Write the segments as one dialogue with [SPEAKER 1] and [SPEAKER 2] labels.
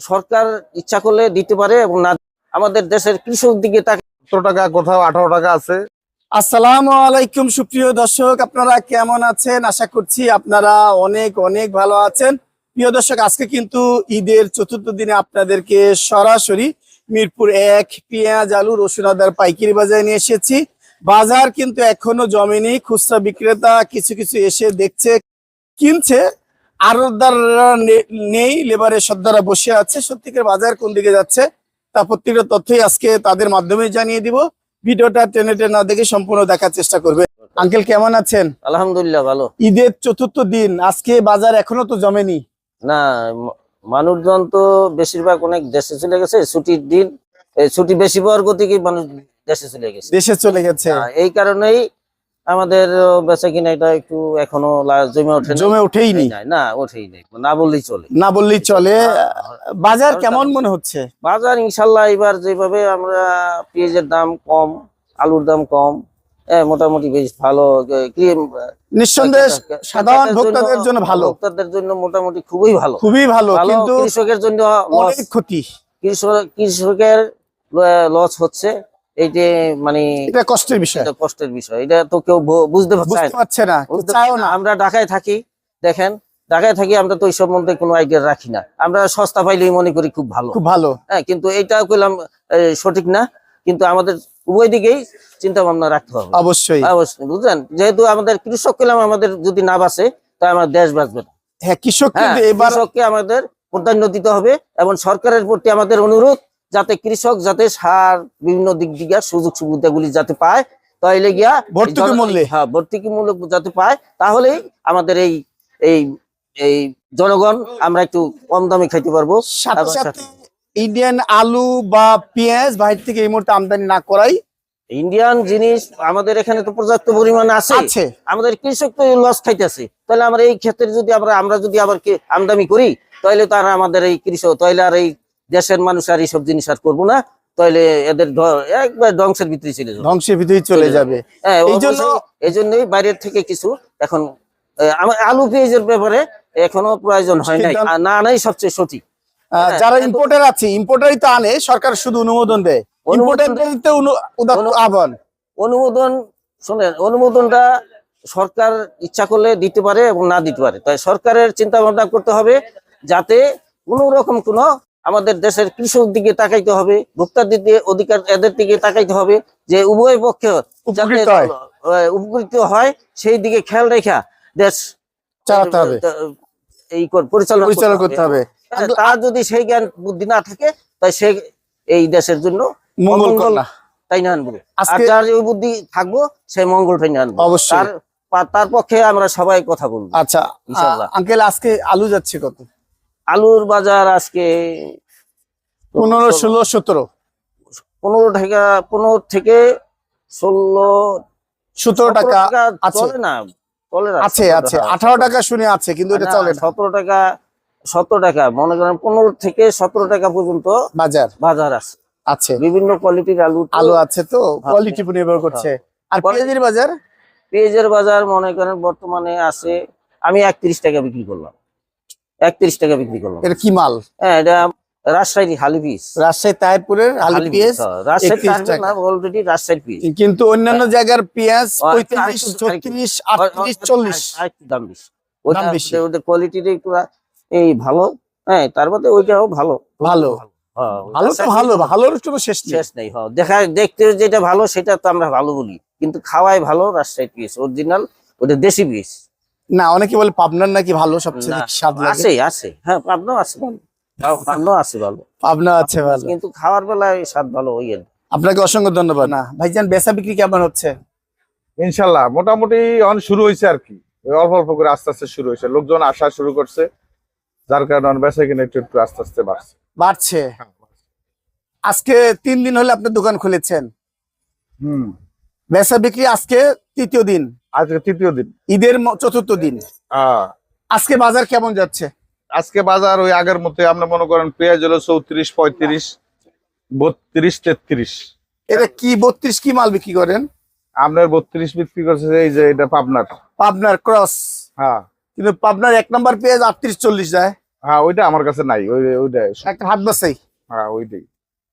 [SPEAKER 1] সরকার ইচ্ছা করলে দিতে পারে এবং না আমাদের দেশের কৃষক দিকে তাকে
[SPEAKER 2] 17 টাকা, কোথাও 18 টাকা আছে।
[SPEAKER 3] আসসালামু আলাইকুম সুপ্রিয় দর্শক, আপনারা কেমন আছেন? আশা করছি আপনারা অনেক অনেক ভালো আছেন। প্রিয় দর্শক, আজকে কিন্তু ঈদের চতুর্থ দিনে আপনাদেরকে সরাসরি মিরপুর 1 পেঁয়াজ, আলু, রসুন, আদার পাইকারি বাজারে নিয়ে এসেছি। বাজার কিন্তু এখনো জমেনি। খুচরা বিক্রেতা কিছু কিছু এসে দেখছে, কিনছে, আড়তদাররা নেই, লেবারের সর্দাররা বসে আছে। সত্যিকার বাজার কোন দিকে যাচ্ছে তা প্রত্যেকটা তথ্যই আজকে তাদের মাধ্যমে জানিয়ে দিব। ভিডিওটা টেনে টেনে না দেখে সম্পূর্ণ দেখার চেষ্টা করবে। আঙ্কেল কেমন আছেন?
[SPEAKER 1] আলহামদুলিল্লাহ ভালো।
[SPEAKER 3] ঈদের চতুর্থ দিন, আজকে বাজার এখনো তো জমেনি
[SPEAKER 1] না, মানুষজন তো বেশিরভাগ অনেক দেশে চলে গেছে, ছুটির দিন, ছুটি বেশি পাওয়ার গতিকে মানুষ দেশে চলে গেছে।
[SPEAKER 3] দেশে চলে গেছে,
[SPEAKER 1] এই কারণেই আমাদের বেচা কিনা এটা একটু এখনো জমে
[SPEAKER 3] ওঠেই নি।
[SPEAKER 1] না ওঠেই নেই, না বললেই চলে।
[SPEAKER 3] না বললেই চলে। বাজার কেমন মনে হচ্ছে?
[SPEAKER 1] বাজার ইনশাল্লাহ এবার যেভাবে আমরা পেঁয়াজের দাম কম, আলুর দাম কম, মোটামুটি বেশ ভালো।
[SPEAKER 3] নিঃসন্দেহে সাধারণ ভোক্তাদের জন্য ভালো,
[SPEAKER 1] ভোক্তাদের জন্য মোটামুটি খুবই ভালো,
[SPEAKER 3] খুবই ভালো। কিন্তু
[SPEAKER 1] কৃষকের জন্য
[SPEAKER 3] অনেক ক্ষতি,
[SPEAKER 1] কৃষকের লস হচ্ছে। এইটা মানে
[SPEAKER 3] এটা কষ্টের বিষয়,
[SPEAKER 1] এটা কষ্টের বিষয়। এটা তো কেউ বুঝতে
[SPEAKER 3] পারছে না।
[SPEAKER 1] আমরা ঢাকায় থাকি, দেখেন ঢাকায় থাকি, আমরা তো এই সম্বন্ধে কোনো আইডিয়া রাখি না। আমরা সস্তা পাইলেই মনে করি খুব ভালো,
[SPEAKER 3] খুব ভালো।
[SPEAKER 1] হ্যাঁ, কিন্তু এইটাও কইলাম সঠিক না। কিন্তু আমাদের উভয় দিকেই চিন্তা ভাবনা রাখতে হবে।
[SPEAKER 3] অবশ্যই
[SPEAKER 1] অবশ্যই, বুঝলেন, যেহেতু আমাদের কৃষক কইলাম, আমাদের যদি না বাঁচে তাই আমার দেশ বাঁচবে না।
[SPEAKER 3] হ্যাঁ, কৃষককে
[SPEAKER 1] আমাদের প্রাধান্য দিতে হবে এবং সরকারের প্রতি আমাদের অনুরোধ, যাতে কৃষক যাতে সার বিভিন্ন দিক দিয়ে সুযোগ সুবিধাগুলি যাতে পায়, তাইলে গিয়া
[SPEAKER 3] ভর্তুকি মূল্যে,
[SPEAKER 1] হ্যাঁ, ভর্তুকি মূল্য যাতে পায়, তাহলেই আমাদের এই এই এই জনগণ আমরা একটু কম দামে খাইতে পারবো।
[SPEAKER 3] ইন্ডিয়ান আলু বা পেঁয়াজ বাইরে থেকে এই মুহূর্তে আমদানি না করাই
[SPEAKER 1] ইন্ডিয়ান জিনিস আমাদের এখানে তো পর্যাপ্ত পরিমাণে আছে। আমাদের কৃষক তো লস খাইতেছে, তাহলে আমরা এই ক্ষেত্রে যদি আমরা যদি আবার আমদানি করি, তাহলে তারা আমাদের এই কৃষক, তাহলে আর এই দেশের মানুষ আর এইসব জিনিস আর করবো না, তাহলে এদের একবার ধ্বংসের ভিতরে
[SPEAKER 3] চলে যাবে।
[SPEAKER 1] এই জন্যই বাইরের থেকে কিছু এখন আলু পেঁয়াজের ব্যাপারে এখনো প্রয়োজন হয় নাই, না নাই সবচেয়ে সঠিক।
[SPEAKER 3] যারা ইম্পোর্টার আছে, ইম্পোর্টারই তো আনে, সরকার শুধু অনুমোদন দেয়।
[SPEAKER 1] অনুমোদন শোনেন, অনুমোদনটা সরকার ইচ্ছা করলে দিতে পারে এবং না দিতে পারে। তাই সরকারের চিন্তা ভাবনা করতে হবে, যাতে কোনো রকম কোনো আমাদের দেশের কৃষক দিকে তাকাইতে হবে, ভোক্তার দিকে অধিকার এদের দিকে তাকাইতে হবে, যে উভয় পক্ষে উপকৃত হয় সেই দিকে খেয়াল রেখা দেশ
[SPEAKER 3] চালাতে হবে,
[SPEAKER 1] এই পরিচালনা করতে হবে। তার যদি সেই জ্ঞান বুদ্ধি না থাকে, তাই সে এই দেশের জন্য মঙ্গল তাই না আনবো। আর যার ওই বুদ্ধি থাকবো, সেই মঙ্গলটাই না আনবো।
[SPEAKER 3] অবশ্যই
[SPEAKER 1] তার পক্ষে আমরা সবাই কথা বলবো।
[SPEAKER 3] আচ্ছা ইনশাআল্লাহ। আঙ্কেল, আজকে আলু যাচ্ছে কত?
[SPEAKER 1] আলুর বাজার আজকে
[SPEAKER 3] 15, 16, 17,
[SPEAKER 1] 15 টাকা, 15 থেকে 16,
[SPEAKER 3] 17 টাকা
[SPEAKER 1] চলে না, চলে না।
[SPEAKER 3] আছে 18 টাকা শুনে আছে, কিন্তু এটা চলে না।
[SPEAKER 1] 17 টাকা মনে করেন, 15 থেকে 17 টাকা পর্যন্ত বাজার আছে। বিভিন্ন কোয়ালিটির আলু আছে, তো কোয়ালিটি উপর নির্ভর করছে। আর পেঁয়াজের বাজার মনে করেন বর্তমানে আছে, আমি 31 টাকা বিক্রি করলাম। 31 টাকা বিক্রি করলাম।
[SPEAKER 3] এটা কি মাল?
[SPEAKER 1] হ্যাঁ, এটা রাজশাহী হালি পিস,
[SPEAKER 3] রাজশাহী তাহিরপুরের হালি পিস।
[SPEAKER 1] অলরেডি রাজশাহী পিস,
[SPEAKER 3] কিন্তু অন্যান্য জায়গার পেঁয়াজ 35, 36, 38, 40
[SPEAKER 1] দাম বেশি। ওদের কোয়ালিটিটা একটু এই ভালো, হ্যাঁ, তার মধ্যে ওইটাও ভালো।
[SPEAKER 3] ভালোর কোনো শেষ
[SPEAKER 1] নেই। দেখতে যেটা ভালো সেটা তো আমরা ভালো বলি, কিন্তু খাওয়াই ভালো রাজশাহী পিস অরিজিনাল, ওটা দেশি পিস
[SPEAKER 3] না। অনেকে বলে পাবনার নাকি ভালো, সবচেয়ে স্বাদ লাগে।
[SPEAKER 1] আছে, হ্যাঁ, পাবনা আছে ভালো,
[SPEAKER 3] পাবনা আছে ভালো,
[SPEAKER 1] কিন্তু খাওয়ার বেলায় স্বাদ ভালো।
[SPEAKER 3] আপনাকে অসংখ্য ধন্যবাদ। না ভাইজান, বেচা বিক্রি কেমন হচ্ছে?
[SPEAKER 2] ইনশাল্লাহ মোটামুটি শুরু হয়েছে আর কি, অল্প অল্প করে আস্তে আস্তে শুরু হয়েছে, লোকজন আসা শুরু করছে, যার কারণে বেচা কিনা একটু আস্তে আস্তে
[SPEAKER 3] বাড়ছে। আজকে 3 দিন হলে আপনি দোকান খুলেছেন। বেচা বিক্রি আজকে তৃতীয় দিন, ঈদের চতুর্থ দিন। আজকে বাজার কেমন যাচ্ছে?
[SPEAKER 2] আজকে বাজার ওই আগের মতো, আমরা মনে করেন পেঁয়াজ হলো 34, 35, 32, 33।
[SPEAKER 3] এটা কি 32 কি মাল বিক্রি করেন?
[SPEAKER 2] আপনার 32 বিক্রি করছে, এই যে এটা পাবনার
[SPEAKER 3] ক্রস।
[SPEAKER 2] হ্যাঁ,
[SPEAKER 3] কিন্তু পাবনার 1 নম্বর পেঁয়াজ 38, 40 যায়।
[SPEAKER 2] হ্যাঁ ওইটা আমার কাছে নাই, ওইটা
[SPEAKER 3] একটা হাত বাসাই,
[SPEAKER 2] হ্যাঁ ওইটাই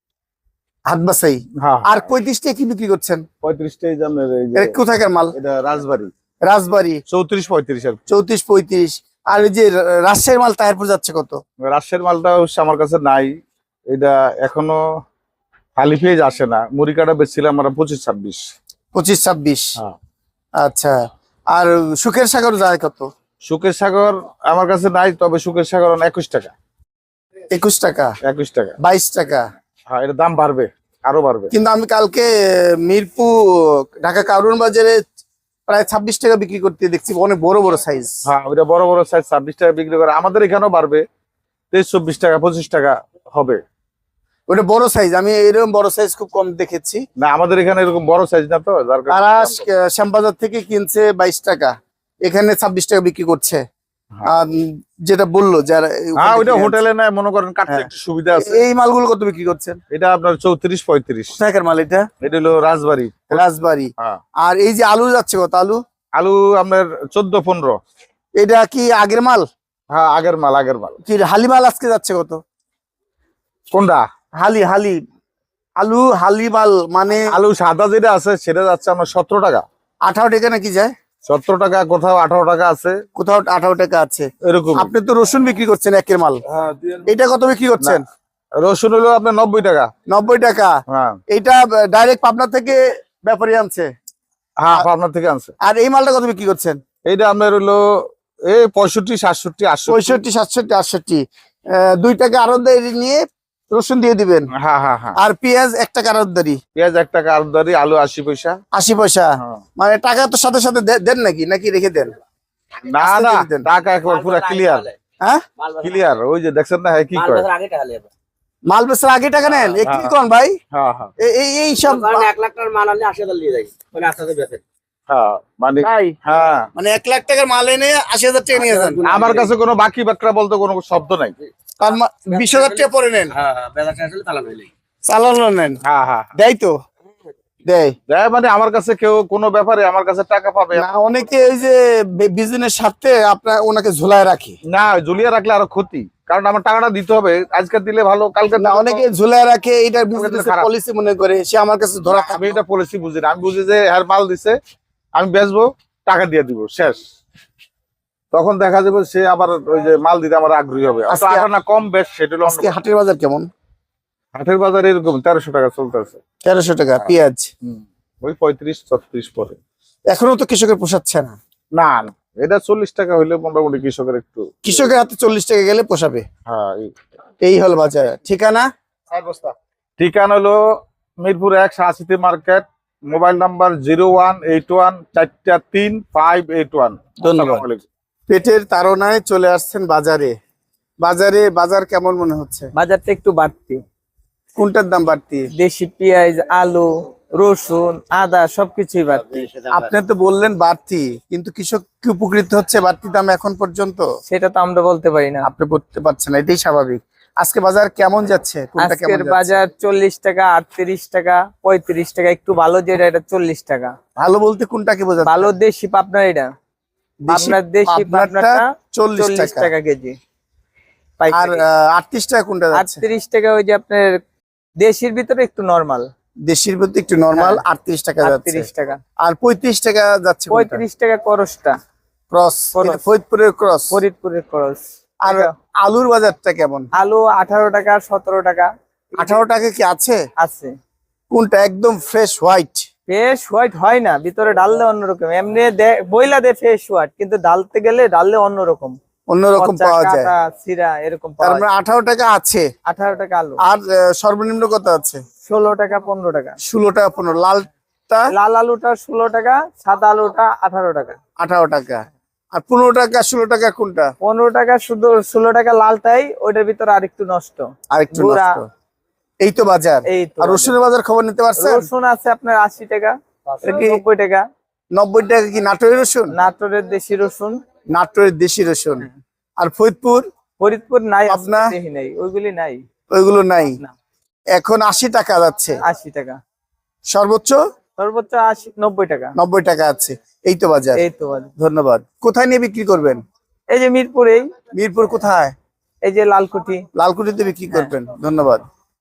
[SPEAKER 3] হাত বাসাই।
[SPEAKER 2] হ্যাঁ।
[SPEAKER 3] আর 35 টাকা কি বিক্রি করছেন?
[SPEAKER 2] 35টাই জানেন, এই যে
[SPEAKER 3] এটা কোথাকার মাল?
[SPEAKER 2] এটা রাজবাড়ি,
[SPEAKER 3] রাজবাড়ি।
[SPEAKER 2] 34-35 আর
[SPEAKER 3] 34-35। আর ওই যে রাজশাহীর মাল তাহিরপুর যাচ্ছে কত?
[SPEAKER 2] রাজশাহীর মালটা অবশ্য আমার কাছে নাই, এটা এখনো খালি পেজ আসে না। মুড়িকাটা বেচছিলাম আমরা 25-26।
[SPEAKER 3] 25-26।
[SPEAKER 2] হ্যাঁ।
[SPEAKER 3] আচ্ছা। আর সুখের সাগর যায় কত?
[SPEAKER 2] সুখের সাগর আমার কাছে নাই, তবে সুখের সাগর 21 টাকা।
[SPEAKER 3] 21 টাকা,
[SPEAKER 2] 21 টাকা,
[SPEAKER 3] 22 টাকা।
[SPEAKER 2] হ্যাঁ এটা দাম বাড়বে, আরো বাড়বে।
[SPEAKER 3] কিন্তু আমি কালকে মিরপুর ঢাকা কারওয়ান বাজারে প্রায় 26 টাকা বিক্রি করতে দেখছি, অনেক বড় বড় সাইজ।
[SPEAKER 2] হ্যাঁ ওইটা বড় বড় সাইজ 26 টাকা বিক্রি করে, আমাদের এখানেও বাড়বে 23-24 টাকা 25 টাকা হবে।
[SPEAKER 3] ওটা বড় সাইজ, আমি এরকম বড় সাইজ খুব কম দেখেছি।
[SPEAKER 2] না আমাদের এখানে এরকম বড় সাইজ না তো, যার কারণে
[SPEAKER 3] তারা শ্যামবাজার থেকে কিনছে 22 টাকা, এখানে 26 টাকা বিক্রি করছে। আর যেটা বললো যারা,
[SPEAKER 2] হ্যাঁ ওইটা হোটেলে নেয়, মনে করেন কাটতে একটু সুবিধা আছে।
[SPEAKER 3] এই মালগুলো কত বিক্রি করছেন?
[SPEAKER 2] এটা আপনার 34-35
[SPEAKER 3] টাকার মাল এটা?
[SPEAKER 2] এটা হলো রাজবাড়ি।
[SPEAKER 3] রাজবাড়ি।
[SPEAKER 2] হ্যাঁ।
[SPEAKER 3] আর এই যে আলু যাচ্ছে কত? আলু
[SPEAKER 2] আলু আপনার 14-15।
[SPEAKER 3] এটা কি আগের মাল?
[SPEAKER 2] হ্যাঁ আগের মাল, আগের মাল।
[SPEAKER 3] কি হালি মাল আজকে যাচ্ছে কত?
[SPEAKER 2] কোনটা?
[SPEAKER 3] হালি হালি আলু, হালি মাল মানে
[SPEAKER 2] আলু সাদা যেটা আছে সেটা যাচ্ছে আমার 17 টাকা।
[SPEAKER 3] 18 টাকা নাকি যায়?
[SPEAKER 2] 17 টাকা, কোথাও 18 টাকা আছে,
[SPEAKER 3] কোথাও 18 টাকা আছে
[SPEAKER 2] এরকম।
[SPEAKER 3] আপনি তো রসুন বিক্রি করছেন একের মাল, এটা কত বিক্রি করছেন?
[SPEAKER 2] রসুন হলো আপনার 90 টাকা।
[SPEAKER 3] 90 টাকা।
[SPEAKER 2] হ্যাঁ
[SPEAKER 3] এইটা ডাইরেক্ট পাবনা থেকে ব্যাপারী আনছে?
[SPEAKER 2] হ্যাঁ আপনার থেকে আনছে।
[SPEAKER 3] আর এই মালটা কত বিক্রি করছেন?
[SPEAKER 2] এইটা আপনার হলো এই 65-67-80।
[SPEAKER 3] 65-67-68। 2 টাকা আরতদারি নিয়ে রসুন দিয়ে দিবেন।
[SPEAKER 2] হ্যাঁ হ্যাঁ হ্যাঁ।
[SPEAKER 3] আর পেঁয়াজ 1 টাকা আরতদারি।
[SPEAKER 2] পেঁয়াজ 1 টাকা আরদারি, আলু 80 পয়সা।
[SPEAKER 3] 80 পয়সা।
[SPEAKER 2] হ্যাঁ।
[SPEAKER 3] মানে টাকা তো সাথে সাথে দেন নাকি রেখে দেন?
[SPEAKER 2] না
[SPEAKER 3] আস্তে
[SPEAKER 2] না,
[SPEAKER 3] দিয়ে দেন।
[SPEAKER 2] টাকা একবার পুরো ক্লিয়ার,
[SPEAKER 3] হ্যাঁ
[SPEAKER 2] ক্লিয়ার। ওই যে দেখছেন না, হ্যাঁ কি করে
[SPEAKER 3] মাল বেচার আগে টাকা নেন, এ কি কোন ভাই?
[SPEAKER 2] হ্যাঁ হ্যাঁ
[SPEAKER 3] এই সব
[SPEAKER 4] 1 লাখ টাকার মাল আনলে 80,000 দিয়ে যায়, মানে আপনাদের বেচে।
[SPEAKER 2] হ্যাঁ মানে
[SPEAKER 3] ভাই,
[SPEAKER 2] হ্যাঁ
[SPEAKER 3] মানে 1 লাখ টাকার মাল এনে 80,000 টাকা নিয়ে যান।
[SPEAKER 2] আমার কাছে কোনো বাকি বাকরা বলতে কোনো শব্দ নাই।
[SPEAKER 3] তার 20,000 টাকা পরে নেন,
[SPEAKER 4] হ্যাঁ বেচা আসলে তালা হইলেই
[SPEAKER 3] চালানো নেন।
[SPEAKER 2] হ্যাঁ হ্যাঁ
[SPEAKER 3] দেয় তো দেয়
[SPEAKER 2] দেয়, মানে আমার কাছে কেউ কোনো ব্যাপারে আমার কাছে টাকা পাবে
[SPEAKER 3] না। অনেকে ওই যে বিজনেস স্বার্থে আপনার ওনাকে ঝোলায় রাখে।
[SPEAKER 2] না, ঝুলিয়ে রাখলে আরো ক্ষতি, কারণ আমার টাকাটা দিতে হবে, আজকে দিলে ভালো, কালকে
[SPEAKER 3] না, অনেকে ঝোলায় রাখে, এটা বিজনেস
[SPEAKER 2] খারাপ।
[SPEAKER 3] পলিসি মনে করে সে আমার কাছে ধরা
[SPEAKER 2] আমি এটা পলিসি বুঝি না, আমি বুঝি যে হ্যাঁ মাল দিছে, আমি বেচবো, টাকা দিয়ে দিব, শেষ। তখন দেখা যাবে সে আবার ওই যে মাল দিতে আমার আগ্রহী হবে।
[SPEAKER 3] আজকে-
[SPEAKER 2] টাকা না কম বেশ সেটা হলো অন্য
[SPEAKER 3] আজকে
[SPEAKER 2] কথা।
[SPEAKER 3] হাটের বাজার কেমন?
[SPEAKER 2] হাটের বাজারে এরকম 1300 টাকা চলতেছে।
[SPEAKER 3] 1300 টাকা পেঁয়াজ।
[SPEAKER 2] ওই 35-36 পরে।
[SPEAKER 3] এখনো তো কৃষকের পোষাচ্ছে না।
[SPEAKER 2] না না, এটা 40 টাকা হইলে মোটামুটি কৃষকের একটু,
[SPEAKER 3] কৃষকের হাতে 40 টাকা গেলে পোষাবে।
[SPEAKER 2] হ্যাঁ
[SPEAKER 3] এই হল বাজার। ঠিকানা?
[SPEAKER 2] ঠিকানা হলো Mirpur 1 Shah city market, mobile number 0181-435-581।
[SPEAKER 3] ধন্যবাদ। পেটের তাড়নায় চলে আসছেন বাজারে। বাজার কেমন মনে হচ্ছে?
[SPEAKER 5] বাজারটা একটু বাড়তি,
[SPEAKER 3] কোনটার দাম বাড়তি?
[SPEAKER 5] দেশি পেঁয়াজ, আলু, রসুন, আদা সবকিছুই বাড়তি।
[SPEAKER 3] আপনি তো বললেন বাড়তি, কিন্তু কৃষক কি উপকৃত হচ্ছে বাড়তি দাম এখন পর্যন্ত?
[SPEAKER 5] সেটা তো আমরা বলতে পারি না।
[SPEAKER 3] আপনি বলতে পারছেন না, এটাই স্বাভাবিক। আজকে বাজার কেমন যাচ্ছে? কোনটা কেমন
[SPEAKER 5] আজকের
[SPEAKER 3] যাচ্ছে?
[SPEAKER 5] বাজার 40 টাকা, 38 টাকা, 35 টাকা। একটু ভালো যেটা এটা 40 টাকা।
[SPEAKER 3] ভালো বলতে কোনটাকে বোঝাচ্ছে?
[SPEAKER 5] ভালো দেশি পাবনার, এটা আপনার দেশি
[SPEAKER 3] পাবনারটা
[SPEAKER 5] পাবনাটা
[SPEAKER 3] 40
[SPEAKER 5] 40
[SPEAKER 3] টাকা।
[SPEAKER 5] টাকা কেজি।
[SPEAKER 3] আর 38 টাকা কোনটা যাচ্ছে?
[SPEAKER 5] 38 টাকা ওই যে আপনার দেশির ভিতরে একটু নরমাল।
[SPEAKER 3] দেশির প্রতি একটু নরমাল
[SPEAKER 5] হ্যাঁ।
[SPEAKER 3] 38 টাকা যাচ্ছে।
[SPEAKER 5] 38 টাকা।
[SPEAKER 3] আর 35 টাকা যাচ্ছে
[SPEAKER 5] 35 টাকা করসটা,
[SPEAKER 3] ক্রস,
[SPEAKER 5] খরচ।
[SPEAKER 3] ফরিদপুরের ক্রস।
[SPEAKER 5] ফরিদপুরের খরচ।
[SPEAKER 3] আর আলুর বাজারটা কেমন?
[SPEAKER 5] আলু 18 টাকা, 17 টাকা
[SPEAKER 3] 18 টাকা কি আছে?
[SPEAKER 5] আছে।
[SPEAKER 3] কোনটা একদম ফ্রেশ হোয়াইট?
[SPEAKER 5] ফ্রেশ হোয়াইট হয় না, ভিতরে ডাললে অন্যরকম। এমনি বইলা দে ফ্রেশ হোয়াইট, কিন্তু ডালতে গেলে ডাললে অন্যরকম,
[SPEAKER 3] অন্যরকম
[SPEAKER 5] পচা,
[SPEAKER 3] পাওয়া যায়।
[SPEAKER 5] কাটা, ছিঁড়া এরকম
[SPEAKER 3] তার
[SPEAKER 5] পাওয়া
[SPEAKER 3] মানে
[SPEAKER 5] যায়।
[SPEAKER 3] 18 টাকা আছে।
[SPEAKER 5] 18 টাকা আলু।
[SPEAKER 3] আর সর্বনিম্ন কত আছে?
[SPEAKER 5] 16 টাকা, 15 টাকা।
[SPEAKER 3] 16 টাকা 15। লালটা
[SPEAKER 5] লাল আলুটা 16 টাকা, সাদা আলুটা 18 টাকা।
[SPEAKER 3] 18 টাকা। আর 15 টাকা 16 টাকা কোনটা?
[SPEAKER 5] 15 টাকা শুধু, 16 টাকা লালটাই, ওইটার ভিতরে আরেকটু নষ্ট।
[SPEAKER 3] আর একটু
[SPEAKER 5] গুড়া।
[SPEAKER 3] নষ্ট। এই তো বাজার।
[SPEAKER 5] এই তো
[SPEAKER 3] আর রসুনের বাজার খবর নিতে পারছেন?
[SPEAKER 5] রসুন আছে আপনার 80 টাকা,
[SPEAKER 3] এটা কি
[SPEAKER 5] 90 টাকা।
[SPEAKER 3] 90 টাকা কি নাটোরের রসুন?
[SPEAKER 5] নাটোরের দেশি রসুন।
[SPEAKER 3] নাটোরের দেশি রসুন। আর ফরিদপুর?
[SPEAKER 5] ফরিদপুর নাই,
[SPEAKER 3] পাবনা?
[SPEAKER 5] দেখি নাই, ওইগুলি নাই।
[SPEAKER 3] ওইগুলো নাই।
[SPEAKER 5] না।
[SPEAKER 3] এখন 80 টাকা যাচ্ছে
[SPEAKER 5] 80 টাকা।
[SPEAKER 3] সর্বোচ্চ।
[SPEAKER 5] সর্বোচ্চ 80, 90 টাকা।
[SPEAKER 3] 90 টাকা আছে। এই তো বাজার।
[SPEAKER 5] এই তো বাজার।
[SPEAKER 3] ধন্যবাদ। কোথায় নিয়ে বিক্রি করবেন?
[SPEAKER 5] এই যে মিরপুরেই,
[SPEAKER 3] মিরপুর কোথায়?
[SPEAKER 5] এই যে লালকুঠি।
[SPEAKER 3] লালকুঠিতে বিক্রি করবেন। ধন্যবাদ।